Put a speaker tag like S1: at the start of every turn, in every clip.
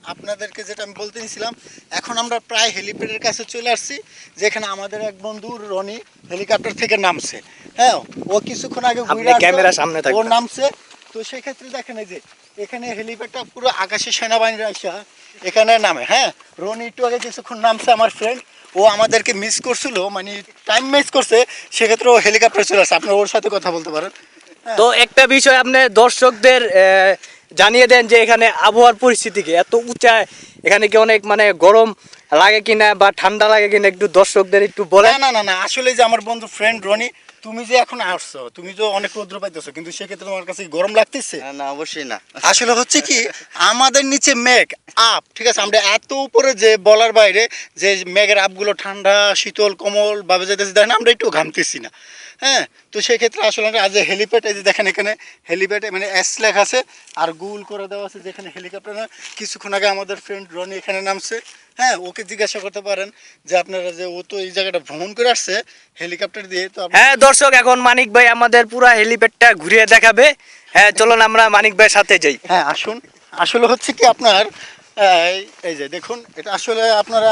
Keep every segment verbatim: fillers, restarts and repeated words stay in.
S1: আপনাদেরকে যেটা আমি বলতে নিছিলাম, এখন আমরা প্রায় হেলিপ্যাডের কাছে চলে আসছি, যেখানে আমাদের এক বন্ধু রনি হেলিকপ্টার থেকে নামছে। হ্যাঁ, ও কিছুক্ষণ আগে ঘুরে আসছে,
S2: ক্যামেরার সামনে
S1: ও নামছে। তো সেক্ষেত্রে দেখেন এই যে এখানে হেলিপ্যাডটা পুরো আকাশে সেনাবাহিনীরা আসা এখানে নামে। হ্যাঁ, রনি একটু আগে কিছুক্ষণ নামছে, আমার ফ্রেন্ড, ও আমাদেরকে মিস করছিল, মানে টাইম মিস করছে, সেক্ষেত্রে ও হেলিকপ্টার চলে আসছে। আপনারা ওর সাথে কথা বলতে পারেন।
S2: তো একটা বিষয় আপনি দর্শকদের জানিয়ে দেন যে এখানে আবহাওয়ার পরিস্থিতি কি, এত উঁচায় এখানে কি অনেক মানে গরম লাগে কিনা বা ঠান্ডা লাগে কিনা একটু দর্শকদের একটু বলে।
S1: না না না, আসলে যে আমার বন্ধু ফ্রেন্ড রনি, তুমি যে এখন আসছো, তুমি তো অনেক রৌদ্র পাইতেছো, কিন্তু সেক্ষেত্রে তোমার কাছে গরম লাগতেছে?
S3: না অবশ্যই না।
S1: আসলে হচ্ছে কি, আমাদের নিচে মেঘ আপ, ঠিক আছে, আমরা এত উপরে যে বলার বাইরে, যে মেঘের আপগুলো ঠান্ডা শীতল কোমল ভাবে যেতেছে, দেখেন আমরা একটু ঘামতেছি না। হ্যাঁ, তো সেক্ষেত্রে আসলে আমরা আজ হেলিপ্যাড, এই যে দেখেন এখানে হেলিপ্যাডে মানে এস লেখা আছে আর গুল করে দেওয়া আছে যেখানে হেলিকপ্টার। কিছুক্ষণ আগে আমাদের ফ্রেন্ড রনি এখানে নামছে। হ্যাঁ, ওকে জিজ্ঞাসা করতে পারেন যে আপনারা যে ও তো এই জায়গাটা ভ্রমণ করে আসছে হেলিকপ্টার দিয়ে। তো
S2: হ্যাঁ দর্শক, এখন মানিক ভাই আমাদের পুরো হেলিপ্যাডটা ঘুরিয়ে দেখাবে। হ্যাঁ চলুন আমরা মানিক ভাইয়ের সাথে যাই।
S1: হ্যাঁ আসুন। আসলে হচ্ছে কি আপনার এই যে দেখুন, এটা আসলে আপনারা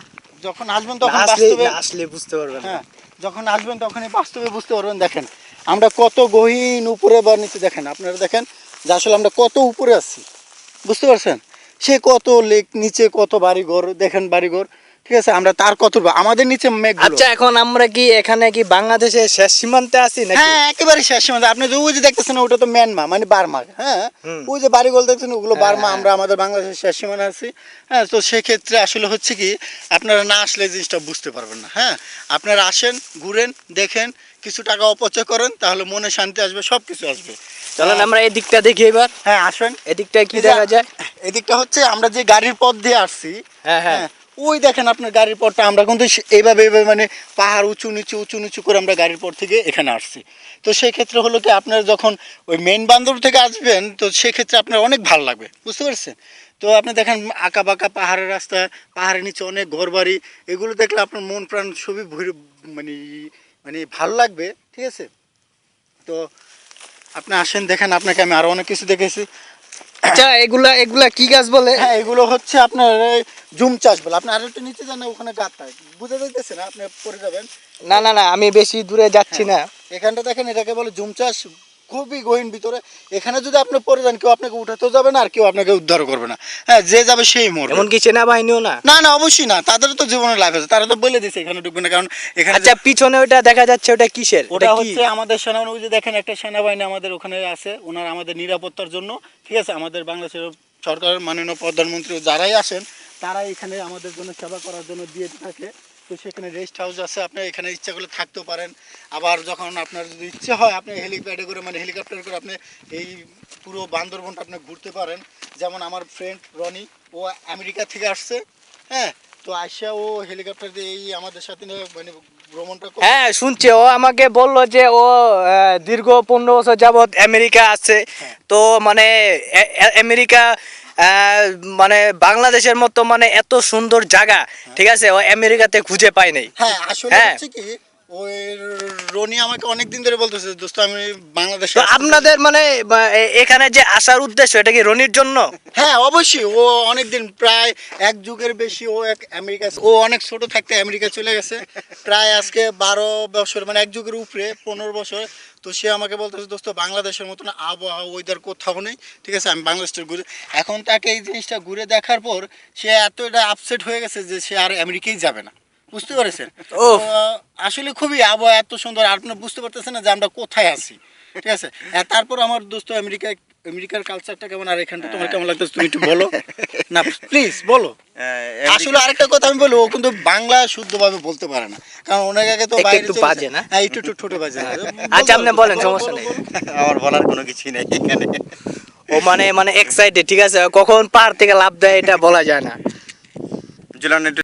S1: যখন আসবেন তখন বাস্তবে
S2: আসলে বুঝতে পারবেন।
S1: হ্যাঁ, যখন আসবেন তখনই বাস্তবে বুঝতে পারবেন। দেখেন আমরা কত গহীন উপরে বা নিচে, দেখেন আপনারা দেখেন যে আসলে আমরা কত উপরে আছি, বুঝতে পারছেন? সে কত লেক নিচে, কত বাড়িঘর, দেখেন বাড়িঘর, ঠিক আছে, আমরা তার কত আমাদের নিচে মেঘ।
S2: আচ্ছা, এখন আমরা কি এখানে কি বাংলাদেশের শেষ সীমান্তে আছি নাকি?
S1: হ্যাঁ, একেবারে শেষ সীমান্তে। আপনি যে ওই যে দেখতেছেন ওটা তো মিয়ানমার, মানে বার্মা। হ্যাঁ, ওই যে বাড়িগুলো দেখছেন ওগুলো বার্মা, আমরা আমাদের বাংলাদেশের শেষ সীমানা আছি। হ্যাঁ, তো সেক্ষেত্রে আসলে হচ্ছে কি, আপনারা না আসলে জিনিসটা বুঝতে পারবেন না। হ্যাঁ, আপনারা আসেন, ঘুরেন, দেখেন, কিছু টাকা অপচয় করেন, তাহলে মনে শান্তি আসবে, সব কিছু আসবে।
S2: চলেন আমরা এই দিকটা দেখি এবার।
S1: হ্যাঁ আসেন।
S2: এদিকটা কি দেখা যায়?
S1: এদিকটা হচ্ছে আমরা যে গাড়ির পথ দিয়ে আসছি।
S2: হ্যাঁ হ্যাঁ,
S1: ওই দেখেন আপনার গাড়ির পথটা, আমরা কিন্তু এইভাবে এইভাবে মানে পাহাড় উঁচু নিচু উঁচু নিচু করে আমরা গাড়ির পথ থেকে এখানে আসছি। তো সেই ক্ষেত্রে হলো কি, আপনার যখন ওই মেন বান্দর থেকে আসবেন, তো সেক্ষেত্রে আপনার অনেক ভালো লাগবে, বুঝতে পারছেন? তো আপনি দেখেন আঁকা বাঁকা পাহাড়ের রাস্তা, পাহাড়ের নিচে অনেক ঘরবাড়ি, এগুলো দেখলে আপনার মন প্রাণ সবই ভরে মানে মানে ভালো লাগবে, ঠিক আছে? তো আপনি আসেন, দেখেন, আপনাকে আমি আরও অনেক কিছু দেখেছি।
S2: আচ্ছা, এগুলা এগুলা কি গাছ বলে?
S1: হ্যাঁ, এগুলো হচ্ছে আপনার জুম চাষ বলে। আপনি আর একটু নিচে যান, ওখানে গাছটা বুঝে যাইতেছে না, আপনি পড়ে যাবেন।
S2: না না না, আমি বেশি দূরে যাচ্ছি না।
S1: এখানটা দেখেন, এটাকে বলে জুম চাষ, খুবই গহীন ভিতরে। এখানে যদি আপনি পড়ে যান, কেউ আপনাকে উঠাতেও যাবে না আর কেউ আপনাকে উদ্ধার করবে না। হ্যাঁ, যে যাবে সেই মরবে।
S2: এমনকি সেনাবাহিনীও না?
S1: না না, অবশ্যই না, তাদের তো জীবনের লাইফ আছে, তারা তো বলে দিচ্ছে এখানে ঢুকবে না, কারণ এখানে।
S2: আচ্ছা, পিছনে ওটা দেখা যাচ্ছে, ওটা কিসের?
S1: ওটা হচ্ছে আমাদের সেনাবাহিনী। ওই যে দেখেন একটা সেনাবাহিনী আমাদের ওখানে আছে, ওনারা আমাদের নিরাপত্তার জন্য, ঠিক আছে, আমাদের বাংলাদেশের সরকারের মাননীয় প্রধানমন্ত্রী যারাই আসেন তারা এখানে আমাদের জন্য সেবা করার জন্য দিয়ে থাকে। তো সেখানে রেস্ট হাউস আছে, আপনি এখানে ইচ্ছা করলে থাকতেও পারেন। আবার যখন আপনার যদি ইচ্ছে হয়, আপনি হেলিপ্যাডে করে মানে হেলিকপ্টার করে আপনি এই পুরো বান্দরবনটা আপনি ঘুরতে পারেন। যেমন আমার ফ্রেন্ড রনি, ও আমেরিকা থেকে আসছে। হ্যাঁ, তো আসিয়া ও হেলিকপ্টার দিয়ে এই আমাদের সাথে মানে ভ্রমণটা।
S2: হ্যাঁ শুনছি, ও আমাকে বললো যে ও দীর্ঘ পনেরো বছর যাবৎ আমেরিকা আছে। তো মানে আমেরিকা মানে বাংলাদেশের মতো মানে এত সুন্দর জায়গা, ঠিক আছে, ও আমেরিকাতে খুঁজে পাই নাই।
S1: হ্যাঁ, আসলে হচ্ছে কি, ওই রনি আমাকে অনেকদিন ধরে বলতেছে, দোস্ত আমি বাংলাদেশে।
S2: আপনাদের মানে এখানে যে আসার উদ্দেশ্য, এটা কি রনির জন্য?
S1: হ্যাঁ অবশ্যই, ও অনেকদিন, প্রায় এক যুগের বেশি ও এক আমেরিকা, ও অনেক ছোট থাকতে আমেরিকা চলে গেছে, প্রায় আজকে বারো বছর, মানে এক যুগের উপরে পনেরো বছর। তো সে আমাকে বলতেছে, দোস্ত বাংলাদেশের মতন আবহাওয়া ওয়েদার কোথাও নেই, ঠিক আছে, আমি বাংলাদেশটা ঘুরে। এখন তাকে এই জিনিসটা ঘুরে দেখার পর সে এতটা আপসেট হয়ে গেছে যে সে আর আমেরিকাই যাবে না, বুঝতে পারছেন? আসলে খুবই আবহাওয়া এত সুন্দর, আপনি বুঝতে পারতেছেন না যে আমরা কোথায় আছি, ঠিক আছে। তারপর আমার দোস্ত আমেরিকা, আমেরিকার কালচারটা কেমন, আর এখানটা তোমার কেমন লাগতেছে তুমি একটু বলো না, প্লিজ বলো। আসলে আরেকটা কথা আমি বলবো, ও কিন্তু বাংলা শুদ্ধভাবে বলতে পারে না, কারণ ওনার আগে তো বাইরে
S2: একটু বাজে না।
S1: হ্যাঁ, একটু একটু ছোট বাজে।
S2: আচ্ছা আপনি বলেন, সমস্যা নেই,
S3: আমার বলার কোনো কিছুই নেই এখানে।
S2: ও মানে মানে এক্সাইটেড, ঠিক আছে, কখন পার থেকে লাভ দেয় এটা বলা যায় না।